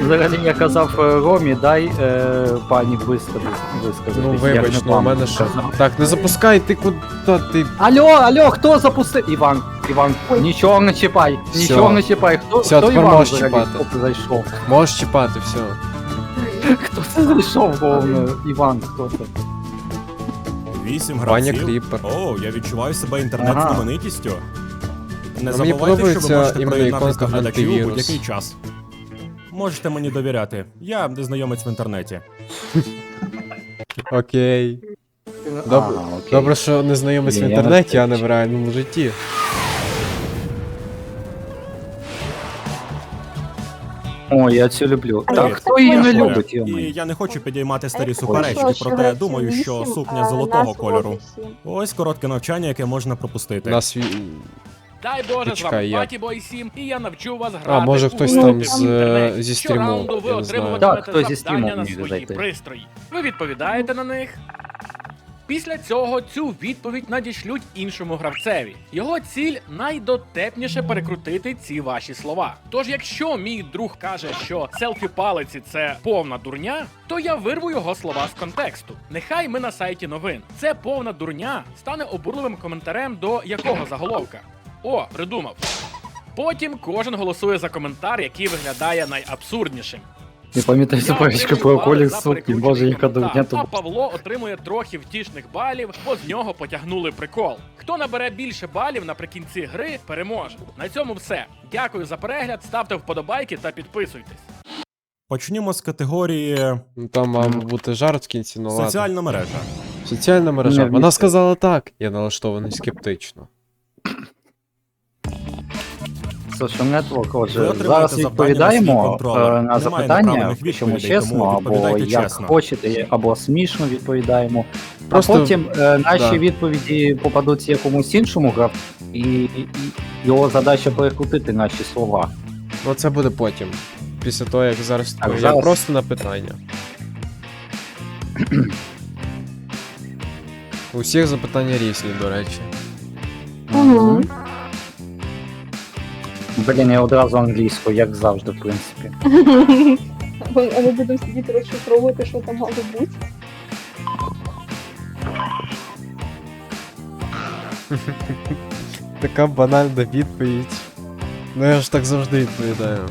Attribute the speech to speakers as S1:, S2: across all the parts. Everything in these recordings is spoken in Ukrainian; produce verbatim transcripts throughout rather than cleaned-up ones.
S1: взагалі я казав е, Ромі, дай е, пані висказати. висказатись.
S2: Ну
S1: Я
S2: вибач,
S1: не
S2: ну у
S1: вам
S2: мене що.
S1: казав.
S2: Так, не запускай, ти куди ти.
S1: Алло, алло, хто запустив? Іван, Іван, нічого не чіпай,
S2: Всьо.
S1: нічого не чіпай. Хто,
S2: Всьо,
S1: хто
S2: тепер
S1: Іван
S2: можеш
S1: взагалі?
S2: чіпати.
S1: Хто це зайшов?
S2: Можеш чіпати, все.
S1: Хто це зайшов, головне? Іван, хто це?
S3: Вісім
S2: Ваня
S3: гравців.
S2: Кріпер.
S3: О, я відчуваю себе інтернет-знаменитістю. Не
S2: А мені
S3: забувайте, що
S2: подобається
S3: ви можете
S2: іменно
S3: приєднатися
S2: іконка
S3: до глядачів у
S2: антивірус.
S3: будь-який час. Можете мені довіряти. Я незнайомець в інтернеті.
S2: Окей. Добре,
S1: А, окей.
S2: Добре, що не знайомись в
S1: Ні, я
S2: інтернеті, а не
S1: не
S2: в реальному житті.
S1: О, я цю люблю.
S4: А
S1: Так,
S3: як
S1: хто її не
S4: це
S1: любить,
S3: І
S1: йомай?
S3: я не хочу підіймати старі
S4: Ой,
S3: суперечки,
S4: що,
S3: проте
S4: що
S3: думаю,
S4: вісім,
S3: що сукня
S4: а
S3: золотого
S4: нас
S3: кольору.
S4: вісім.
S3: Ось коротке навчання, яке можна пропустити.
S2: Нас ві-
S5: Дай Боже, з
S2: Почекай,
S5: вами
S2: я-
S5: Батібой сім, і я навчу вас грати.
S2: А, може
S5: у
S2: хтось
S5: гру
S4: там
S5: в
S4: з,
S5: інтернеті.
S2: зі стріму,
S5: Щораунду ви
S2: я не знаю.
S5: отримуватимете
S1: Так, хтось зі стріму
S5: завдання на
S1: міг
S5: свої
S1: зайти.
S5: пристрої. Ви відповідаєте на них. Після цього цю відповідь надішлють іншому гравцеві. Його ціль найдотепніше перекрутити ці ваші слова. Тож, якщо мій друг каже, що селфі палиці це повна дурня, то я вирву його слова з контексту. Нехай ми на сайті новин. Це повна дурня стане обурливим коментарем до якого заголовка. О, придумав. Потім кожен голосує за коментар, який виглядає найабсурднішим.
S1: Не пам'ятаю
S5: Я
S1: суперечки
S5: отримую
S1: про
S5: бали
S1: колір
S5: за
S1: сукні,
S5: перекручений
S1: боже, яка
S5: коментар,
S1: дурня
S5: А
S1: тут.
S5: Павло отримує трохи втішних балів, бо з нього потягнули прикол. Хто набере більше балів наприкінці гри, переможе. На цьому все. Дякую за перегляд, ставте вподобайки та підписуйтесь.
S3: Почнімо з категорії
S2: Ну, там мав бути жарт в кінці, ну ладно.
S3: соціальна мережа.
S2: Соціальна мережа.
S1: Не
S2: Вона
S1: вмісти.
S2: сказала так. Я налаштований скептично.
S1: Social Network,
S3: Ви
S1: отже,
S3: отримаєте
S1: зараз
S3: завдання на
S1: відповідаємо
S3: свій контролер.
S1: е, на
S3: Немає
S1: запитання,
S3: неправильних
S1: причому
S3: відповідей,
S1: чесно,
S3: тому
S1: або
S3: відповідайте
S1: як
S3: чесно.
S1: хочете, або смішно відповідаємо.
S2: Просто-
S1: А потім е, наші
S2: да.
S1: відповіді попадуться якомусь іншому гравцю, і, і, і його задача перекрутити наші слова.
S2: Ну це буде потім. Після того, як зараз
S1: Так,
S2: я
S1: зараз-
S2: просто на питання. У всіх запитання різні, до речі.
S4: Мгм.
S1: Блін, я одразу англійською, як завжди, в принципі.
S4: Ми- А ми будемо сидіти розшифровувати, що там мало бути.
S2: Така банальна відповідь. Ну я ж так завжди відповідаю.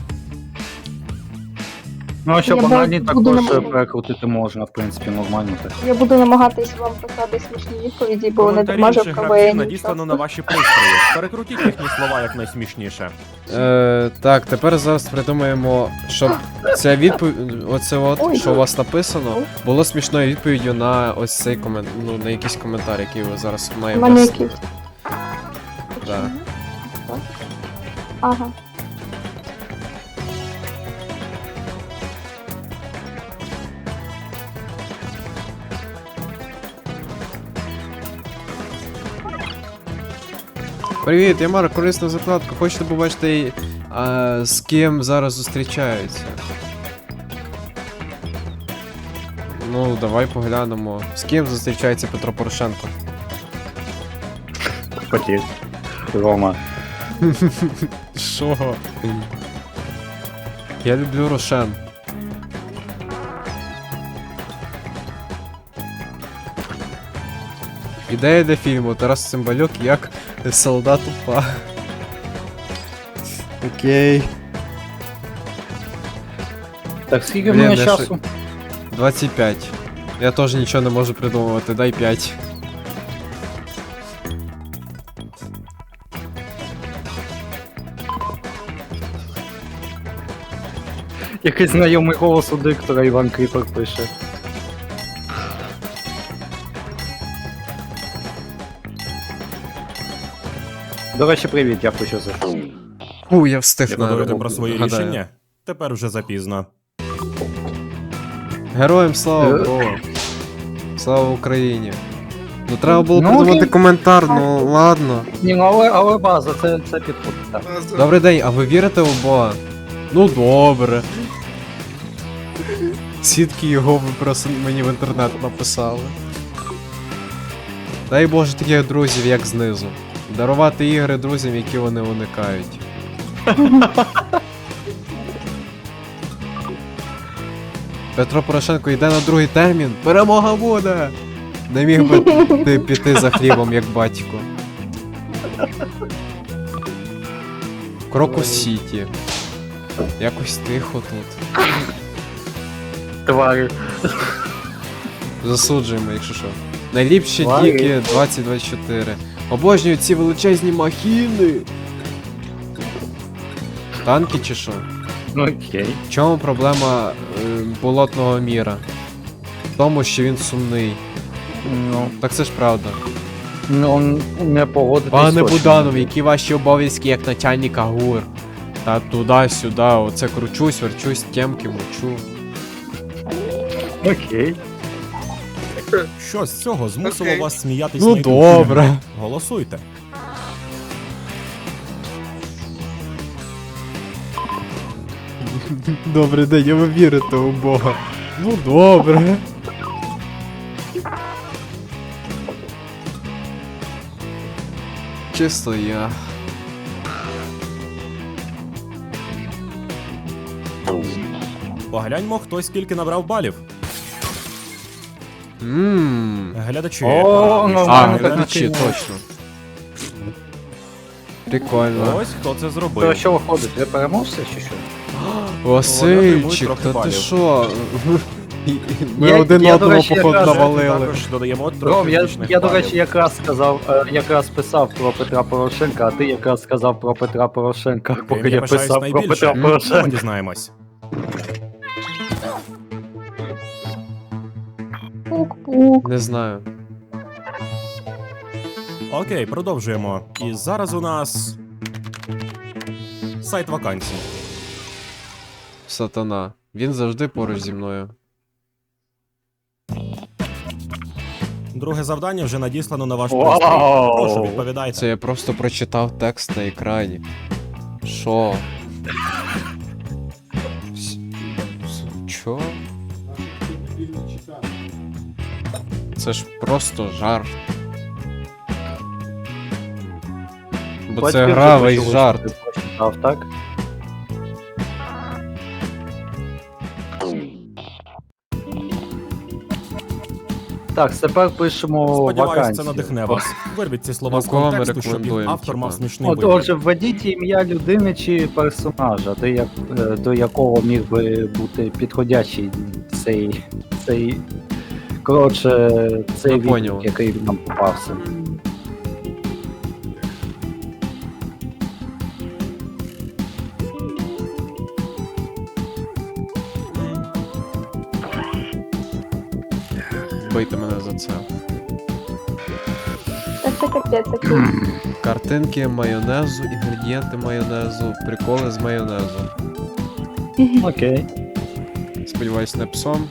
S1: Ну, а що
S4: Я
S1: банальні
S4: буду
S1: також
S4: намагатися.
S1: перекрутити можна, в принципі, нормально так.
S4: Я буду намагатись вам писати смішні відповіді, бо не
S3: Коментарі
S4: дарма
S3: інших
S4: в
S3: гравців
S4: КВН.
S3: надіслано на ваші пристрої. Перекрутіть їхні слова якнайсмішніше.
S2: Е, так, тепер зараз придумаємо, щоб ця відповідь, оце от,
S4: Ой,
S2: що у
S4: ой.
S2: вас написано,
S4: Ой.
S2: було смішною відповіддю на ось цей комент, ну на якийсь коментар, який ви зараз
S4: У
S2: маєте.
S4: мене якийсь.
S2: Да.
S4: Ага.
S2: Привіт, я Марк, корисна закладка. Хочете побачити, а, з ким зараз зустрічаються? Ну, давай поглянемо. З ким зустрічається Петро Порошенко?
S1: Хотів. Рома.
S2: Що? Я люблю Рошен. Ідея для фільму Тарас Цимбалюк як солдат УПА. Окей.
S1: Так, скільки в
S2: Блін,
S1: мене
S2: я
S1: часу?
S2: двадцять п'ять. Я теж нічого не можу придумувати, дай п'ять.
S1: Якийсь знайомий голос у диктора Іван Кріпер пише. До речі, привіт, дякую, що зайшов.
S2: Фу, я встиг на
S3: Шкодуєте про свої
S2: гадаю.
S3: рішення? Тепер вже запізно.
S2: Героям слава,
S1: Е.
S2: бро. Слава Україні. Ну треба було
S1: Ну,
S2: придумати
S1: окей.
S2: коментар, ну ладно.
S1: Ні, ну але, але база, це, це підходить, так.
S2: Добрий день, а ви вірите у Бога? Ну добре. Сітки його ви просто мені в інтернет написали. Дай Боже таких друзів, як знизу. Дарувати ігри друзям, які вони уникають. Петро Порошенко йде на другий термін. Перемога буде! Не міг би ти піти за хлібом, як батько. Крокус Сіті. Якось тихо тут.
S1: Тварі.
S2: Засуджуємо, якщо що. Найліпші
S1: Тварі.
S2: діки двадцять двадцять чотири. Обожнюю ці величезні махіни. Танки чи що?
S1: Ну окей.
S2: В чому проблема е, болотного міра? В тому, що він сумний.
S1: Ну,
S2: Так це ж правда.
S1: ну не погодитись.
S2: Пане
S1: точно.
S2: Буданов, які ваші обов'язки як начальника ГУР? Та туди-сюди, оце кручусь, верчусь, тємки мочу.
S1: Окей.
S3: Що з цього змусило
S6: Окей.
S3: вас сміятись
S2: Ну
S3: найбільше?
S2: добре.
S3: Голосуйте.
S2: Добрий день, а ви вірите у Бога. Ну добре. Чисто я.
S3: Погляньмо, хто скільки набрав балів.
S2: Ммм.
S3: Глядачі.
S1: О, ну,
S2: А,
S1: ну,
S2: глядачі,
S1: так,
S2: точно. Прикольно.
S3: Ось хто це
S1: То
S3: зробив.
S1: що виходить? Ви переможця чи що?
S2: Васильчик,
S3: трохи
S2: та ти
S3: балів.
S2: що? Ми
S1: Я-
S2: один
S1: я, до
S2: одного
S1: речі,
S2: походу
S1: якраз-
S2: навалили.
S3: Також додаємо
S1: Ром,
S3: трохи
S1: я,
S3: бічних
S1: я до
S3: балів.
S1: речі, якраз сказав, е, якраз писав про Петра Порошенка, а ти якраз сказав про Петра Порошенка, поки
S3: Ким
S1: я
S3: пишаюсь
S1: писав про
S3: найбільше?
S1: Петра
S3: Ми
S1: Порошенка.
S3: дізнаємось.
S4: Пук-пук.
S2: Не знаю.
S3: Окей, продовжуємо. І зараз у нас сайт вакансій.
S2: Сатана. Він завжди поруч зі мною.
S3: Друге завдання вже надіслано на ваш
S1: Вау!
S3: пристрій. Прошу, відповідайте.
S2: Це я просто прочитав текст на екрані. Що? С- с- Чо? Це ж просто жарт. Бо це
S1: Батьки
S2: гра
S1: вже
S2: весь
S1: почули,
S2: жарт.
S1: що ти прочитав, так? Так, тепер пишемо
S3: Сподіваюсь,
S1: вакансію.
S3: це надихне вас. Вирвіть ці слова
S2: Ну,
S3: з
S2: кого ми
S3: контексту, щоб їх
S2: рекомендуємо,
S3: автор
S2: типа?
S3: мав смішний
S1: От,
S3: вигляд.
S1: отже, введіть ім'я людини чи персонажа, до, як, е, до якого міг би бути підходящий цей. цей коротше, цей
S2: Ну,
S1: відгук,
S2: поняв.
S1: який нам попався.
S2: Бийте мене за це.
S4: Та це капець такий.
S2: Картинки майонезу, інгредієнти майонезу, приколи з майонезу.
S1: Окей.
S2: Сподіваюсь, не псом.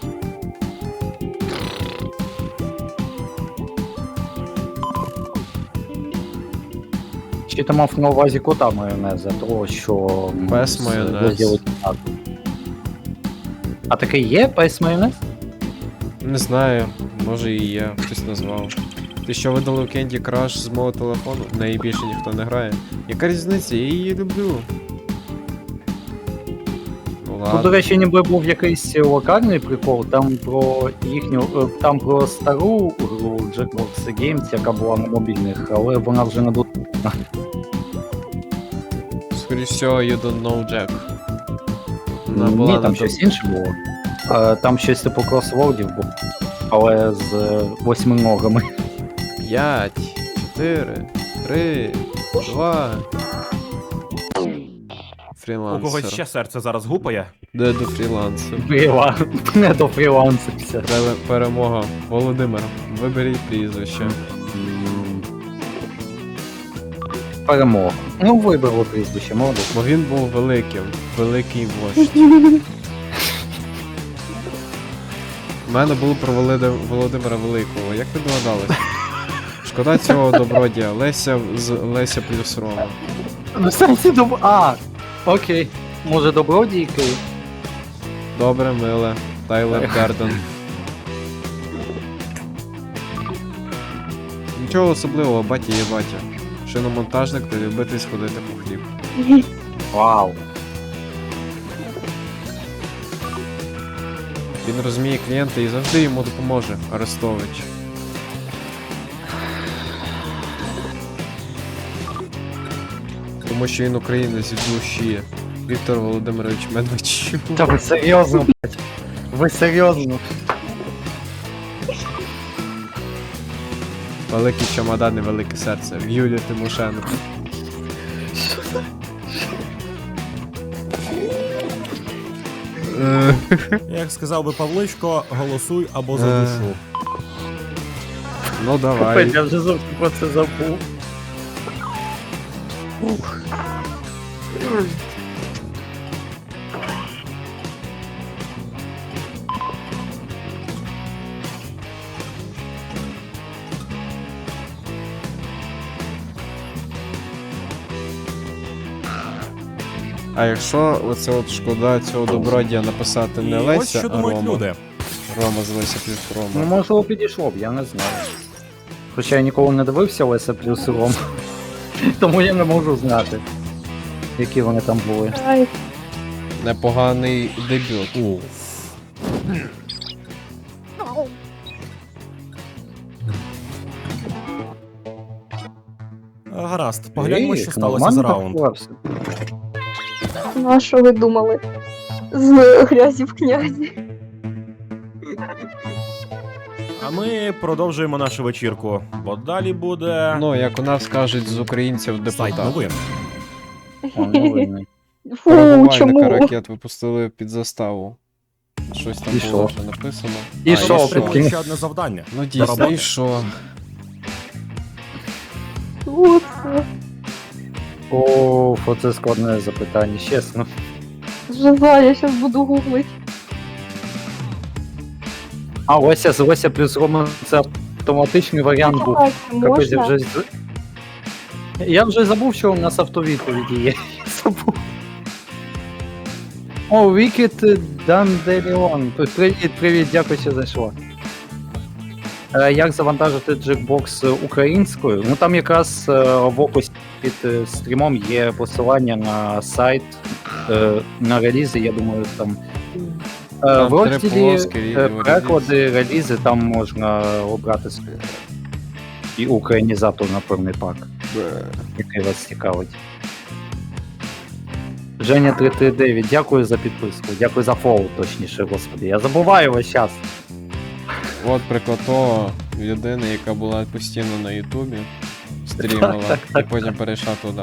S1: Чи ти мав на увазі кота майонеза, того, що... м,
S2: Пес
S1: з
S2: майонез.
S1: розділу кімнати. А таке є пес майонез?
S2: Не знаю, може і є, хтось назвав. Ти що видали у Candy Crush з мого телефону? В неї більше ніхто не грає. Яка різниця? Я її люблю. Ну
S1: Тут, до
S2: ладно.
S1: речі, ніби був якийсь локальний прикол, там про їхню, е, там про стару гру Jackbox Games, яка була на мобільних, але вона вже не доступна.
S2: Скоріше всього, you don't know Jack. Вона
S1: Ні,
S2: була
S1: там
S2: на
S1: щось інше було. Е, Там щось типу кросвордів було, але з е, восьминогами.
S2: п'ять, чотири, три, два.
S3: У когось
S2: Фрілансер.
S3: ще серце зараз гупає.
S2: Де до фрілансер?
S1: Фріла... Не до фрілансерся.
S2: Пере- Перемога. Володимир, виберіть прізвище.
S1: М. Перемога. Ну, вибрало прізвище, молодець.
S2: Бо він був великим. Великий вождь. У мене було про Володи- Володимира Великого. Як ви догадались? Шкода цього добродія. Леся з Леся плюс Рома.
S1: Ну, в сенсі доб... А, окей. Може, добродійки?
S2: Добре, миле. Тайлер Гарден. Нічого особливого, батя є батя. Шиномонтажник та любитель сходити по хліб.
S1: Вау.
S2: Він розуміє клієнта і завжди йому допоможе, Арестович. Тому що він українець від душі. Віктор Володимирович Медведчук.
S1: Та ви серйозно, блядь? Ви серйозно?
S2: Великий чемодан і велике серце. В Юлії Тимошенко. Е,
S3: Як сказав би Павличко, голосуй або за
S2: Е.
S3: душу.
S2: Ну давай.
S1: Капець, я вже зовсім про це забув. Ух.
S2: А якщо оце от шкода цього добродія написати не
S3: І ось
S2: Леся,
S3: що
S2: а
S3: думають
S2: Рома.
S3: люди.
S2: Рома з Леся плюс
S1: Ну,
S2: Рома.
S1: можливо, підійшло б, я не знаю. Хоча я ніколи не дивився Леся плюс Ром. Тому я не можу знати, які вони там були.
S4: Ай,
S2: Непоганий дебют.
S3: У. Гаразд, погляньмо, що
S1: Ей,
S3: сталося за
S1: нормально
S3: раунд.
S1: вклався.
S4: ну а що ви думали? З грязі в князі.
S3: А ми продовжуємо нашу вечірку, бо далі буде
S2: Ну, як у нас кажуть з українців
S3: сайт
S2: депутат.
S3: новин.
S1: О, новини.
S4: Фу,
S2: Перебувальника
S4: чому?
S2: ракет випустили під заставу. Щось там
S1: І
S2: було
S1: що?
S2: вже написано.
S1: І
S2: А,
S1: що,
S3: Ми
S2: і
S3: отримали ще одне завдання.
S2: Ну
S3: До
S2: дійсно,
S3: роботи.
S2: і що?
S4: Фу, це
S1: О, оце складне запитання, чесно.
S4: Жиза, я щас буду гуглить.
S1: А, Леся з Леся плюс Рома це автоматичний варіант був.
S4: Так,
S1: Капець, я
S4: можна?
S1: вже... з- Я вже забув, що у нас автовідповіді є. Я забув. О, Вікіт Данделіон. Привіт, привіт, дякую, що зайшла. Е, Як завантажити джекбокс українською? Ну там якраз е, в описі під е, стрімом є посилання на сайт, е, на релізи, я думаю, там. Е,
S2: Там
S1: В
S2: три
S1: розділі
S2: полоски,
S1: е,
S2: відео,
S1: переклади, релізи, там можна обрати собі і українізатор на певний пак, який вас цікавить. Женя три три дев'ять, дякую за підписку, дякую за фоллоу, точніше, господи. Я забуваю весь час.
S2: От приклад того людини, яка була постійно на Ютубі, стрімила,
S1: Так, так,
S2: і потім перейшла туди.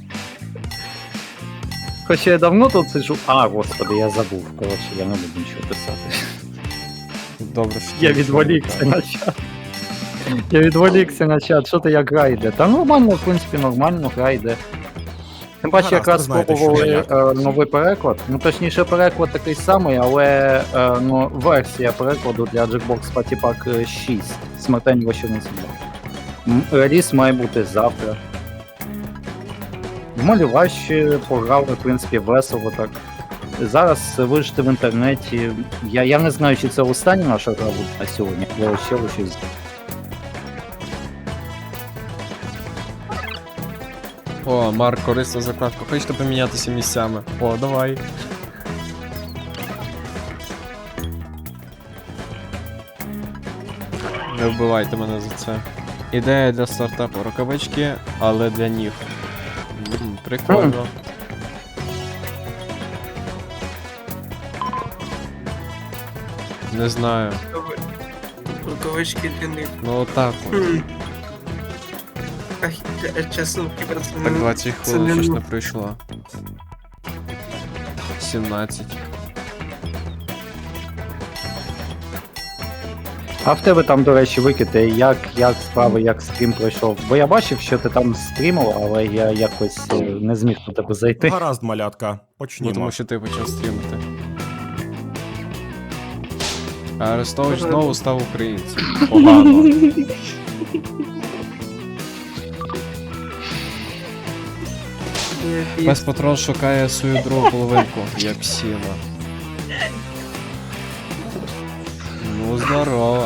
S1: Хоча я давно тут сиджу. А, господи, я забув. Коротше, я не буду нічого писати.
S2: Добре, що
S1: Я
S2: ти
S1: відволікся
S2: нічого не
S1: на чат. Я відволікся на чат, що ти як гра йде? Та нормально, в принципі, нормально гра йде. Тим паче,
S3: Гаразд,
S1: якраз
S3: ви знаєте, що
S1: спробували
S3: я як.
S1: е, новий переклад. Ну, точніше, переклад такий самий, але е, ну, версія перекладу для Jackbox Party Pack шість. Смертельні вечірниці. Реліз має бути завтра. В малюващі пограли, в принципі, весело так. Зараз вижити в інтернеті. Я, я не знаю, чи це остання наша гра буде на сьогодні, але ще щось.
S2: О, Марк, корисна закладка. Хочете помінятися місцями? О, давай. Не вбивайте мене за це. Ідея для стартапу. Рукавички, але для ніг. М, прикольно. Не знаю.
S6: Рукавички для них.
S2: Ну отак. от.
S6: Хм. Ах, я- чесно, кіберце
S2: Так
S6: не...
S2: двадцять
S6: це
S2: хвилин
S6: не
S2: щось
S6: ну.
S2: не пройшло. сімнадцять.
S1: А в тебе там, до речі, викиди, як, як справи, як стрім пройшов. Бо я бачив, що ти там стрімив, але я якось е, не зміг до тебе зайти.
S3: Гаразд, малятка,
S2: Ну,
S3: почнімо.
S2: тому що ти почав стрімити. А Арестович знову став українцем. Погано. Пес патрон шукає свою другу половинку. Я псіна. Ну, здорово.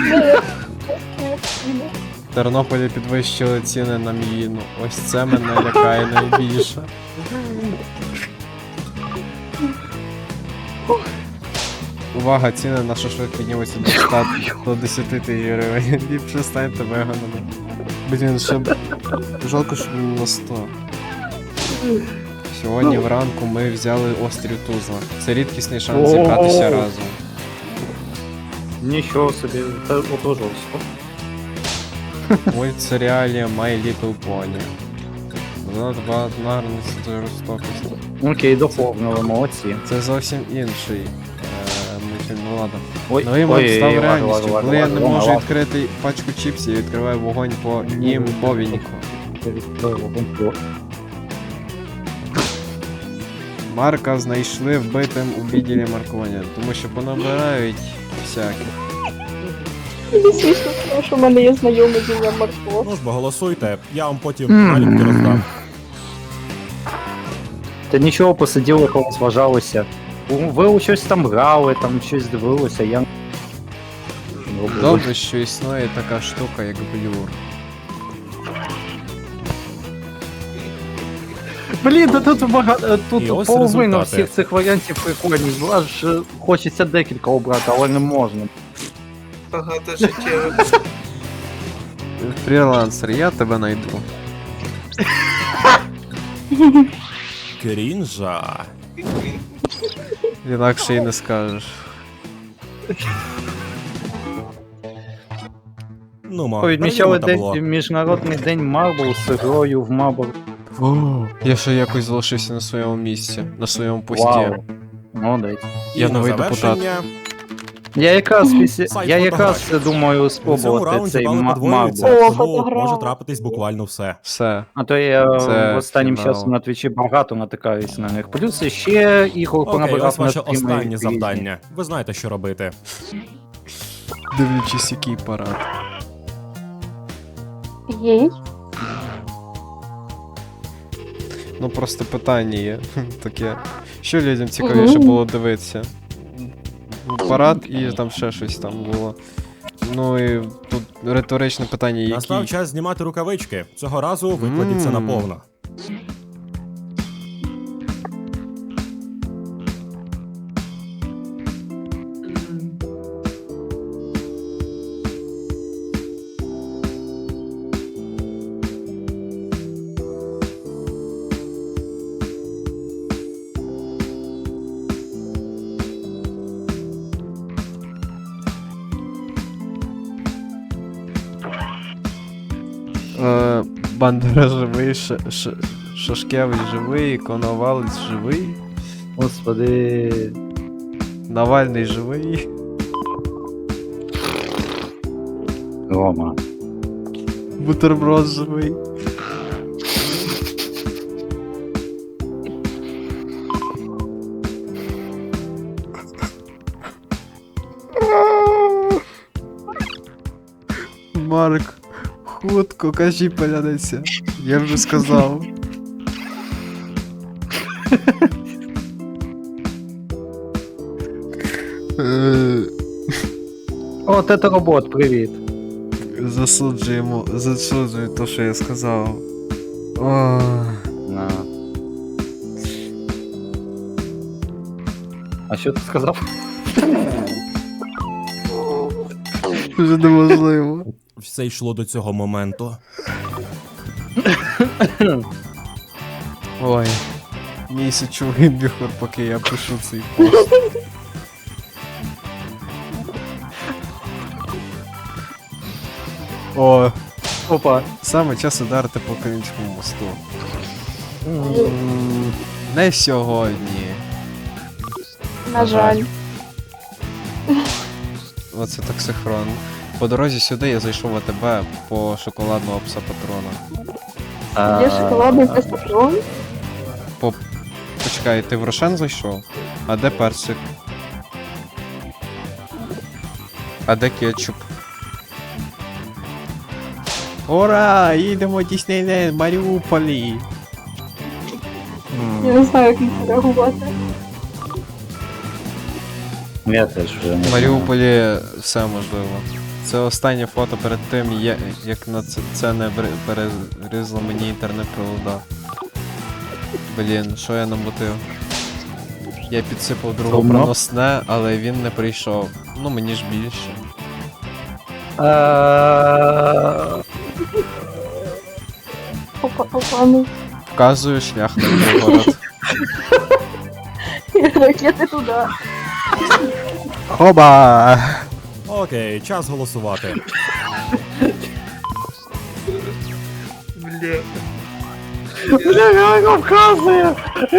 S2: В Тернополі підвищили ціни на міїну. Ось це мене лякає найбільше. Увага, ціни на шашлик піднімуться до ста до десяти тисяч гривень. Ліпше станьте веганами. Блін, ще б... жалко, що було сто. Сьогодні вранку ми взяли острів Тузла. Це рідкісний шанс зібратися
S1: О-о-о.
S2: разом.
S1: Нічого собі, це ото жорстко.
S2: Мультсеріалі My Little Pony. Занадто багато нагарності та жорстокості.
S1: Окей, доповнили, молодці.
S2: Це зовсім інший е, мультфільм, ну ладно.
S1: Ой,
S2: Новий мод
S1: ой,
S2: став
S1: ладно,
S2: реальністю.
S1: ладно,
S2: Коли я
S1: ладно,
S2: не можу
S1: ладно.
S2: відкрити пачку чіпсів, я відкриваю вогонь по імбовініку. Марка знайшли вбитим у відділі маркування, тому що понабирають всякі.
S4: Мені смішно, тому що в мене є знайомий з ім'ям Марко.
S3: Ну ж бо голосуйте, я вам потім
S1: Мгм.
S3: наліпки роздам.
S1: Та нічого, посиділи, розважалися. Ви у щось там грали, там щось дивилися, я...
S2: Добре, що існує така штука, як блюр.
S1: Блін, та тут багато, тут
S3: І ось
S1: половина
S3: результати.
S1: всіх цих варіантів прикольні. Аж е, хочеться декілька обрати, але не можна.
S6: Багато життєво.
S2: Фрілансер, я тебе найду.
S3: Крінжа.
S2: Інакше й не скажеш.
S3: Ну, ма,
S1: Відмічали
S3: перейдемо табло.
S1: день, Міжнародний день Марбл з грою в Марбл.
S2: О, я ще якось залишився на своєму місці, на своєму пості.
S1: Вау. Молодець.
S3: І
S2: Я
S3: на
S2: новий депутат.
S3: завершення
S1: Я якраз після...
S3: Сайт
S1: Я якраз
S3: фотографій.
S1: думаю
S3: у цьому
S1: спробувати
S3: раунді
S1: цей
S3: бали
S1: Ма-
S3: подвоюються,
S1: Марбл.
S4: О,
S3: тому
S4: фотограф.
S3: може трапитись буквально все.
S2: Все.
S1: А то я
S2: Це
S1: останнім
S2: фінал.
S1: часом на твічі багато натикаюсь на них. Плюс ще ігор
S3: Окей,
S1: понабирав
S3: ось
S1: на
S3: ваше
S1: стріми
S3: останнє
S1: різні.
S3: завдання. Ви знаєте, що робити.
S2: Дивлячись, який парад.
S4: Єй.
S2: Ну просто питання є таке. Що людям цікавіше
S4: Мгм.
S2: було дивитися? Парад і там ще щось там було. Ну і тут риторичне питання, які.
S3: Настав час знімати рукавички. Цього разу викладіться
S2: Мм.
S3: наповно.
S2: Е, Бандера живий, Ш... Ш... Шашкевич живий, Коновалець живий,
S1: Господи.
S2: Навальний живий.
S1: Рома.
S2: Бутерброд живий. Марк, хутко, кажи поляниця. Я вже сказав. Е,
S1: О, це робот, привіт.
S2: Засуджуємо, засуджую те, що я сказав. О,
S1: На. А що ти сказав?
S2: вже неможливо.
S3: Все йшло до цього моменту.
S2: Ой. Місячовий біхор, поки я пишу цей пост. О,
S1: Опа.
S2: саме час ударити по Кримському мосту. М, Не сьогодні.
S4: На жаль.
S2: Оце таксихрон. По дорозі сюди я зайшов в АТБ по шоколадного пса патрона.
S4: Є шоколадний пестатрон.
S2: По... Почекай, ти в Рошен зайшов? А де персик? А де кетчуп? Ура! Їдемо Діснейленд, Маріуполі!
S4: Я не знаю, як їх реагувати.
S1: Я теж вже не
S2: В Маріуполі все можливо. Це останнє фото перед тим, я- як на це, це не бри- перерізало мені інтернет-провода. Блін, що я намотив? Я підсипав другу
S1: Сумно.
S2: проносне, але він не прийшов. Ну мені ж більше.
S1: Е,
S4: Опа, опа, ну.
S2: Вказую шлях на Білгород.
S4: Ракети туди.
S2: Хоба!
S3: Окей, час голосувати.
S6: Бля.
S1: Бля, реально вказує!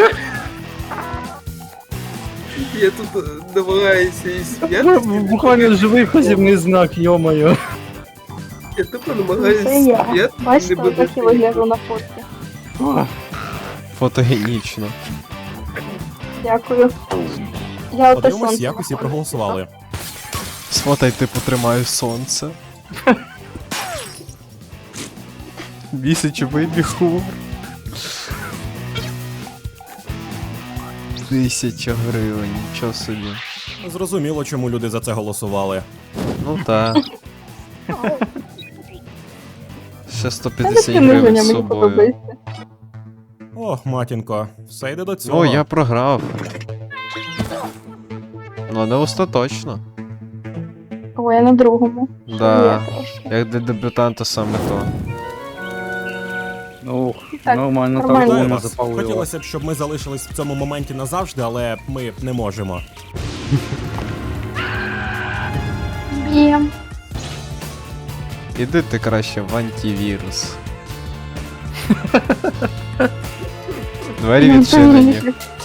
S6: Я тут е, намагаюся і сміятися.
S1: Буквально живий вказівний знак, йомаю.
S6: Я тупо
S4: Це
S6: намагаюся
S4: я.
S6: сміятися.
S4: Бачите,
S6: не
S4: так і
S6: буду
S4: вигляджу на фотці.
S2: Фотогенічно.
S4: Дякую. Я оте
S3: Подивимось,
S4: сонце.
S3: як усі проголосували.
S2: Сфотай, типу, тримаю сонце. Місяч вибіг хумор. Тисяча гривень, нічого собі.
S3: Зрозуміло, чому люди за це голосували.
S2: Ну та. Ще
S4: Та
S2: сто п'ятдесят
S4: таке
S2: гривень
S4: ниження
S2: з
S4: мені
S2: собою.
S4: подобається.
S3: Ох, матінко, все йде до цього.
S2: О, я програв. Ну, не остаточно.
S4: О, я на другому.
S2: Да.
S4: Є трошки.
S2: Як для дебютанта саме то.
S1: Ну,
S4: Так,
S1: нормально, так
S4: нормально.
S3: Вітаю
S1: повно
S3: вас.
S1: запалило.
S3: Хотілося б, щоб ми залишились в цьому моменті назавжди, але ми не можемо.
S4: Б'єм.
S2: Іди ти краще в антивірус. Двері
S4: Ну, це
S2: відчинені.
S4: мені